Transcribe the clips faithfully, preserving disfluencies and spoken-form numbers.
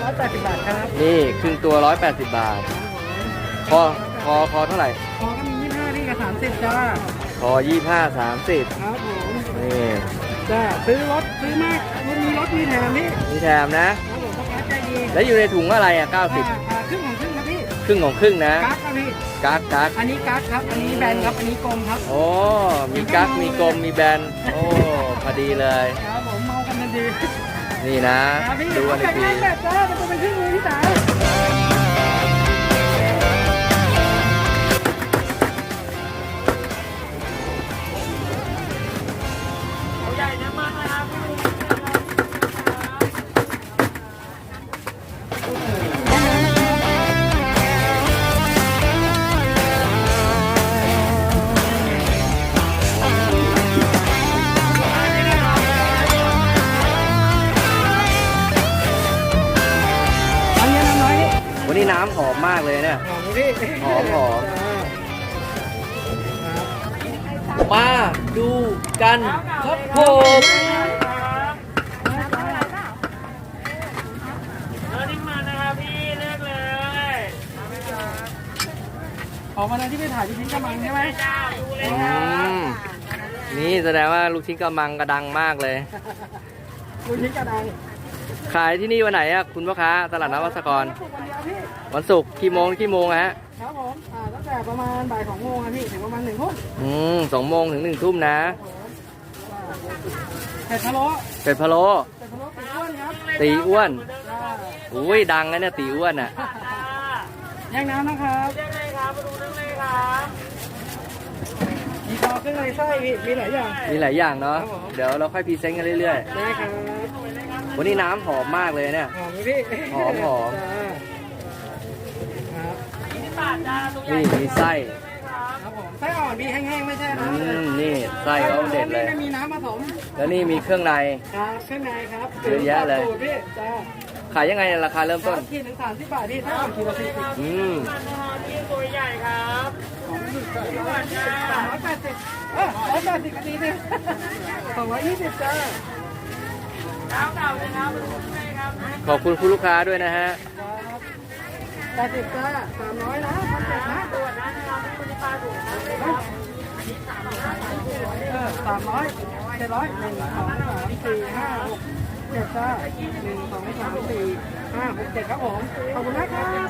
ร้อยแปดสิบบาทครับนี่ครึ่งตัวร้อยแปดสิบบาทคอคอคอเท่าไหร่คอก็มียี่สิบห้าพี่กับสามสิบจ้าคอยี่ห้าสามสิบครับผมนี่จ้าซื้อรถซื้อมากมีรถมีแถมพี่มีแถมนะครับผมพ่อค้าใจดีแล้วอยู่ในถุงอะไรอ่ะเก้าสิบครึ่งของครึ่งครับพี่ครึ่งของครึ่งนะกั๊กครับพี่กั๊กกั๊กอันนี้กั๊กครับอันนี้แบนครับอันนี้กลมครับโอ้มีกั๊กมีกลมมีแบนโอ้พอดีเลยครับผมเมากันดีนี่นะดูกันอีกทีแบบจ้ามันจะเป็นครึ่งมือพี่สาววันนี้น้ำหอมมากเลยเนี่ยหอมหอมมาดูกันครับผมออกมาในที่ไปถ่ายลูกชิ้นกระมังใช่ไหมนี่แสดงว่าลูกชิ้นกระมังกระดังมากเลยลูกชิ้นกระดังขายที่นี่วันไหนอะคุณพ่อค้าตลาดนัดวัดสะกรวันศุกร์กี่โมงกี่โมงฮะครับผมอ่าตั้งแต่ประมาณบ่ายสองโมงครับพี่ถึงประมาณหนึ่งทุ่มอืมสองโมงถึงหนึ่งทุ่มนะเป็ดพะโล้เป็ดพะโล้เป็ดพะโล้ตีอ้วนครับตีอ้วนอุ้ยดังนะเนี่ยตีอ้วนอ่ะย่างน้ำนะครับย่างเลยครับมาดูเรื่องเลยครับมีคอเครื่องในไส้มีหลายอย่างมีหลายอย่างเนาะเดี๋ยวเราค่อยพรีเซนต์กันเรื่อยๆได้ครับวันนี้น้ำหอมมากเลยเนี่ยหอมพี่หอมหอมนี่มีไส้ครับผมไส้อ่อนมีแห้งๆไม่ใช่นะนี่ไส้เขาเด็ดเลยไม่มีน้ำผสมแล้วนี่มีเครื่องในครับเครื่องในครับเยอะแยะเลยขายยังไงราคาเริ่มต้นขีดถึงสามสิบบาทที่ถ้าอ่อนขีดละสี่สิบอืมที่ตัวใหญ่ครับสามร้อยแปดสิบเออร้อยแปดสิบดีเลยสองร้อยยี่สิบจ้าขอบคุณคุณลูกค้าด้วยนะฮะแปดสิบจ้าสามร้อยนะพันเจ็ดนะตรวจนะนะครับคุณปลาถูกเออสามร้อยเจ็ดร้อยหนึ่งสองสามสี่ห้าหกเจ็ดจ้าหนึ่งสองสามสี่ห้าหกเจ็ดครับผมขอบคุณนะครับ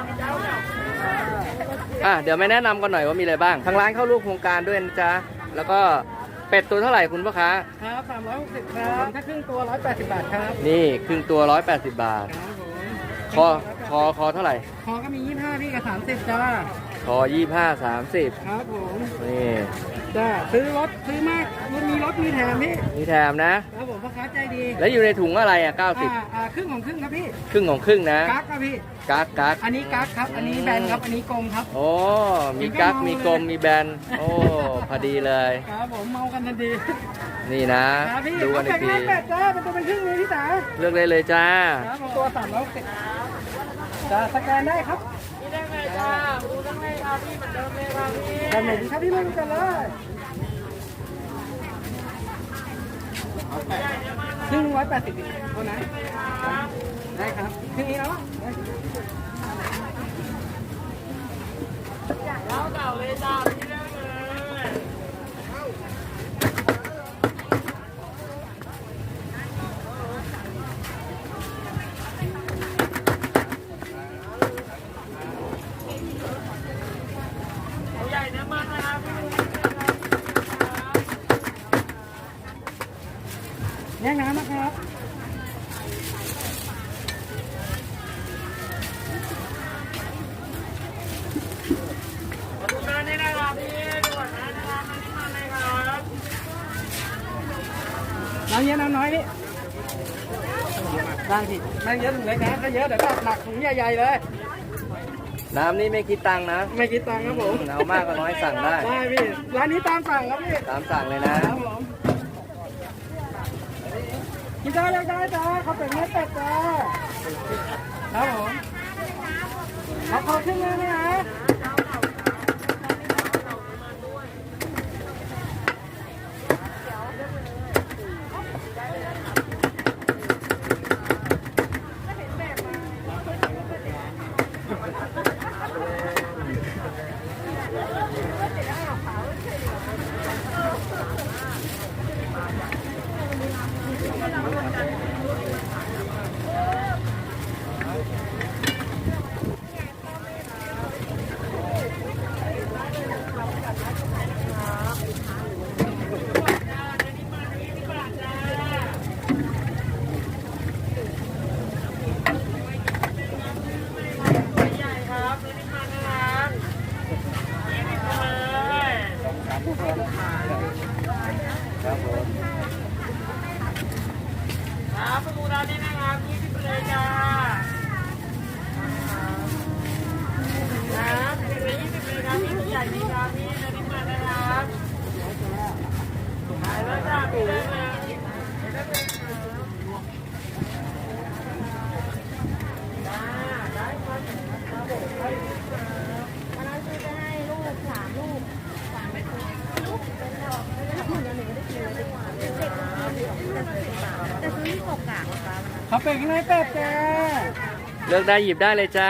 อ่ะเดี๋ยวไม่แนะนำกันหน่อยว่ามีอะไรบ้างทางร้านเข้าร่วมโครงการด้วยนะจ๊ะแล้วก็เป็ดตัวเท่าไหร่คุณพ่อค้าครับสามร้อยหกสิบครับถ้าครึ่งตัวร้อยแปดสิบบาทครับนี่ครึ่งตัวร้อยแปดสิบบาทคอคอคอเท่าไหร่คอก็มียี่สิบห้าพี่กับสามสิบจ้าคอยี่ห้าสามสิบครับผมนี่จ้าซื้อรถซื้อมากมีรถมีแถมพี่มีแถมนะครับผมพ่อค้าใจดีแล้วอยู่ในถุงอะไรอ่ะเก้าสิบอ่าครึ่งของครึ่งครับพี่ครึ่งของครึ่งนะกั๊กครับพี่กั๊กกั๊กอันนี้กั๊กครับอันนี้แบนครับอันนี้กลมครับโอ้มีกั๊กมีกลมมีแบนโอ้พอดีเลยครับผมเมากันทันทีนี่นะดูกันอีกทีแบบจ้าเป็นตัวเป็นครึ่งเลยพี่สาวเลือกได้เลยจ้าตัวสามร้อยสิบจ้าสแกนได้ครับนี่ได้ไหมจ้าดูได้ไหมครับพี่เหมือนเดิมเลยครับพี่แบบไหนดีครับพี่เล่นกันเลยครึ่งร้อยแปดสิบเท่านั้นได้ครับครึ่งนี้เนาะแล้วเก่าเลยจ้าพี่ได้เลยใหญ่เนื้อมันนะครับแยกน้ำนะครับดูด้านนี้นะครับพี่ดูก่อนนะนะครับอันนี้มันเลยครับน้ำเยอะน้ำน้อยนี่ได้พี่ไม่เยอะถึงเล็กนะถ้าเยอะเดี๋ยวก็หนักถุงใหญ่ๆเลยน้ำนี่ไม่คิดตังค์นะไม่คิดตังค์ครับผมเอามากก็น้อยสั่งได้ได้พี่ร้านนี้ตามสั่งครับพี่ตามสั่งเลยนะครับผมกินได้ยังได้จ้าเขาเป็นเนื้อเป็ดจ้าครับผมเอาขอขึ้นเลยนะประตูร้านนี้นะครับยี่สิบเลยจ้าครับสิบเลยยี่สิบเลยครับพี่ใหญ่ดีครับพี่อันนี้มานะครับขายแล้วจ้าพี่ได้เลยจ้าได้ครับอันนั้นคือจะให้ลูกสามลูกสามลูกเป็นดอกแล้วคนละหนึ่งก็ได้กินเลยดีกว่าเด็กๆแต่ซื้อที่ตกกากนะคะเขาเป็นข้างในเป็ดจ้าเลือกได้หยิบได้เลยจ้า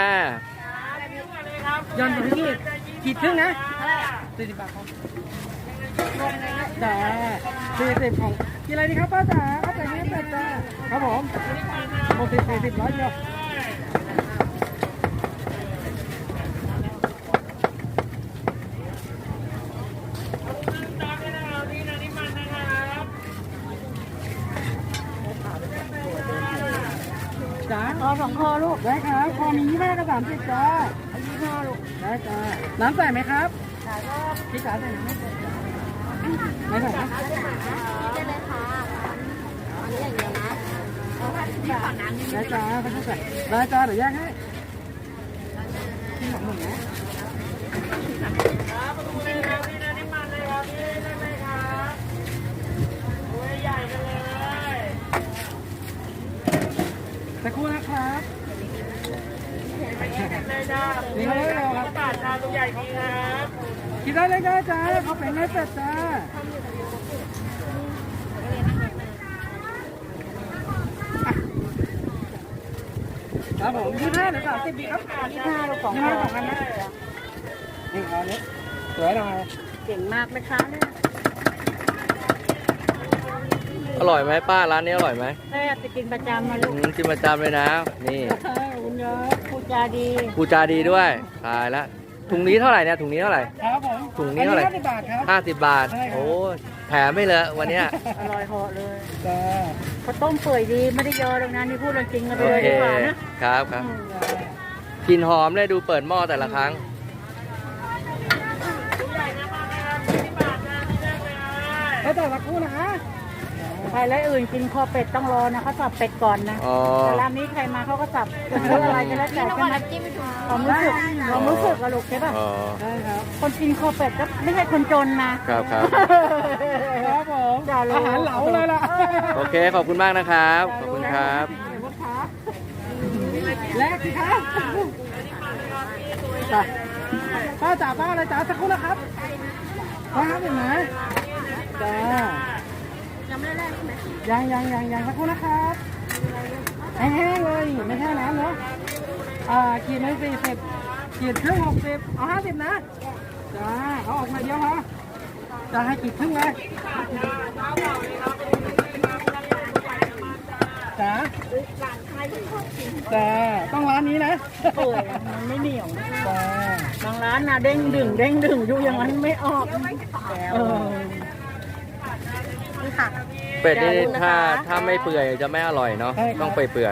ย้อนไปที่ขีดครึ่งนะสี่สิบบาทครับจ้าสี่สิบของกินอะไรดีครับป้าจ๋าป้าจ๋ากินเป็ดจ้าครับผมหกสิบสี่สิบร้อยเดียวจ้าคอสองคอลูกได้ครับคอมียี่ห้ากับสามสิบจ้ายี่ห้าลูกได้จ้าน้ำใส่ไหมครับใส่ครับพี่จ๋าใส่ไหมไม่ใส่ไม่ใส่ครับได้เลยค่ะอันนี้อย่างเดียวนะเอาผ้าที่ผ่อนน้ำนิดนึได้งจ้าไม่ใส่ได้จ้าเดี๋ยวแยกให้ที่หนังหนึ่งนะครับประตูเลยครับพี่นะนี่มันเลยครับพี่ได้ไหมครับตัวใหญ่กันเลยสักครู่นะครับเลยจ้านี่เขาเรียกอะไรครับบาทชาตัวใหญ่ของครับกินได้เลยได้จ้าเขาเป็นไม่เป็ดจ้าครับผมยี่ห้าหรือสามสิบดีครับยี่ห้าลูกสองยี่ห้าสองพันนะนี่เอาเนี้ยสวยหน่อยเก่งมากไหมคะเนี่ยอร่อยไหมป้าร้านนี้อร่อยไหมแม่ไปกินประจำมาลูอืกมกินประจำเลยนะ นี่คุณยายพูดจาดีกูจาดีด้วยตายละถุงนี้เท่าไหร่เนี่ยถุงนี้เท่าไหร่ครับผมถุงนี้เท่าไหร่ห้าสิบบาทครับห้าสิบบาทใช่ครับโอ้แถมไม่เลยวันเนี้ยอร่อยเหาะเลยจ้าเขาต้มเปื่อยดีไม่ได้ยอตรงนั้นนี่พูดเรื่องจริงกันไปโอเลยเคดีกว่านะครับครับกลินหอมเลยดูเปิดหม้อแต่ละครั้งตัวใหญ่นะมานะครับที่บาทชาที่ได้เลยแล้วแต่สักครู่นะคะใครและอื่นกินคอเป็ดต้องรอนะเขาสับเป็ดก่อนนะอ๋อแต่ร้านนี้ใครมาเขาก็สับจะซื้ออะไรก็แล้วแต่ใช่ไหมความรู้สึกความรู้สึกอะลูกใช่ป่ะอ๋อได้ครับคนกินคอเป็ดก็ไม่ใช่คนจนนะครับครับครับผมอย่ารู้อาหารเหลาเลยล่ะโอเคขอบคุณมากนะครับ ขอบคุณครับแลกสิครับจ้ะป้าจ๋าป้าอะไรจ๋าสักครู่นะครับป้าครับเห็นไหมจ้ายังไม่ได้แรกใช่ไหมยังยังยังยังสักครู่นะครับแห้งๆเลยไม่ใช่น้ำเนาะอ่าขีดหนึ่งสี่สิบขีดครึ่งหกสิบเอาห้าสิบนะจ้าเอาออกมาเดียวพอจะให้ขีดครึ่งเลยจ้าจ้าต้องร้านนี้นะเปื่อยมันไม่เหนียวนะจ้าบางร้านนะเด้งดึงเด้งดึงอยู่อย่างนั้นไม่ออกเออนี่ค่ะเป็ดนี่อย่าลืมนะคะถ้าถ้าไม่เปื่อยจะไม่อร่อยเนาะต้องเปื่อย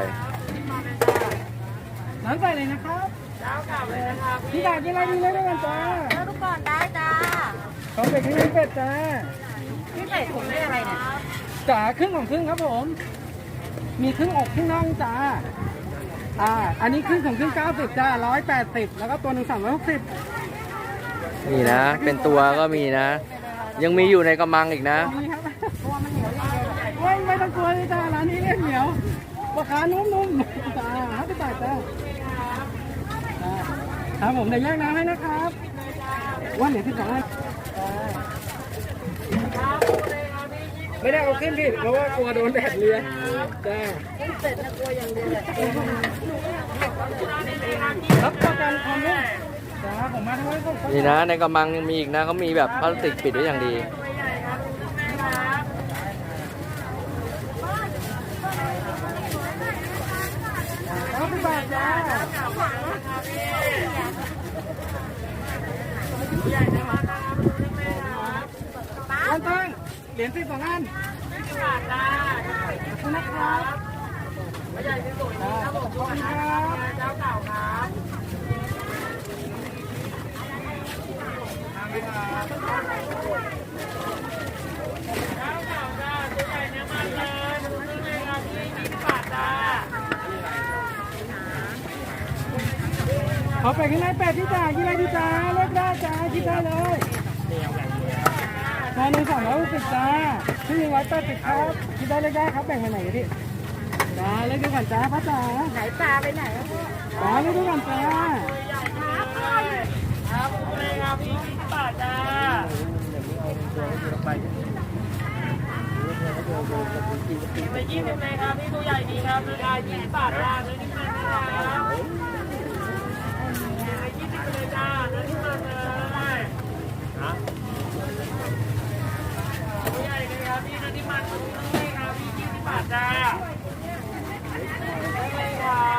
น้ำใส่เลยนะครับพี่ดากินอะไรดีเลยด้วยกันจ้าแล้วทุกคนได้จ้าเขาเป็ดที่นี่เป็ดจ้าพี่ใส่ถุงได้อะไรเนี่ยจ๋าครึ่งของครึ่งครับผม มีครึ่งอกครึ่งน่องจ้า อ่า อันนี้ครึ่งของครึ่งเก้าสิบจ้าร้อยแปดสิบแล้วก็ตัวหนึ่งสามร้อยหกสิบๆนี่นะ เป็นตัวก็มีนะ ยังมีอยู่ในกระมังอีกนะนี่ครับตัวมันเหนียวอย่างเดียวไม่ไม่ต้องกลัวเลยจ้าร้านนี้เรียกเหนียวราคานุ่มๆจ้าห้าสิบบาทจ้าจ้าครับผมเดี๋ยวแยกน้ำให้นะครับว่าเหลือที่สองอันไม่ได้เอาขึ้นผิดเพราะว่ากลัวโดนแดดเรือจ้ารับประกันความนุ่มจ้าผมมาทั้งวันก็นี่นะในกระมังยังมีอีกนะเขามีแบบพลาสติกปิดไว้อย่างดีห้าสิบบาทจ้าตั้งตั้งเหรียญสิบสองอันขอบคุณนะครับขอบคุณครับเจ้าเก่าครับเจ้าเก่าจ้าตัวใหญ่เนี่ยมันเลยมันเลยครับที่ยี่สิบบาทขอไปข้างในแปดที่จ่ากินอะไรดีจ้าเลือกได้จ้าคิดได้เลยตอนหนึ่งสามร้อยหกสิบจ้าที่หนึ่งร้อยแปดสิบครับคิดได้เลยได้ครับแบ่งไปไหนกันพี่จ้าเลือกดูก่อนจ้าพ่อจ๋าไหนปลาไปไหนอะพ่อจ้าเลือกดูก่อนจ้าครับเลยครับพี่ยี่สิบบาทจ้าไปยี่สิบเลยครับพี่ตัวใหญ่ดีครับราคายี่สิบบาทจ้าเนื้อนิ่มมันนะครับไปยี่สิบเลยจ้าเนื้อนิ่มมันเลยตัวใหญ่เลยครับพี่เนื้อนิ่มมันเลยครับพี่ยี่สิบบาทจ้าได้เลยครับ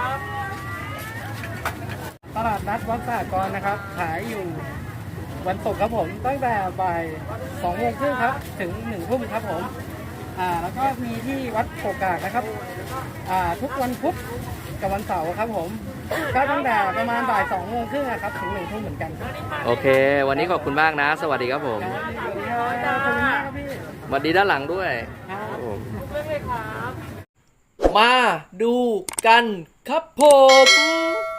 ตลาดนัดวัดสากรนะครับขายอยู่วันศุกร์ครับผมตั้งแต่บ่ายสองโมงครึ่งครับถึงหนึ่งทุ่มครับผมอ่าแล้วก็มีที่วัดโกกากนะครับอ่าทุกวันพุธกับวันเสาร์ครับผมก็ตั้งแต่ประมาณบ่ายสองโมงครึ่งครับถึงหนึ่งทุ่มเหมือนกันครับโอเค วันนี้ขอบคุณมากนะ สวัสดีครับผมสวัสดีครับขอบคุณมากครับพี่สวัสดีด้านหลังด้วยครับครับผมเรื่องเลยครับมาดูกันครับผม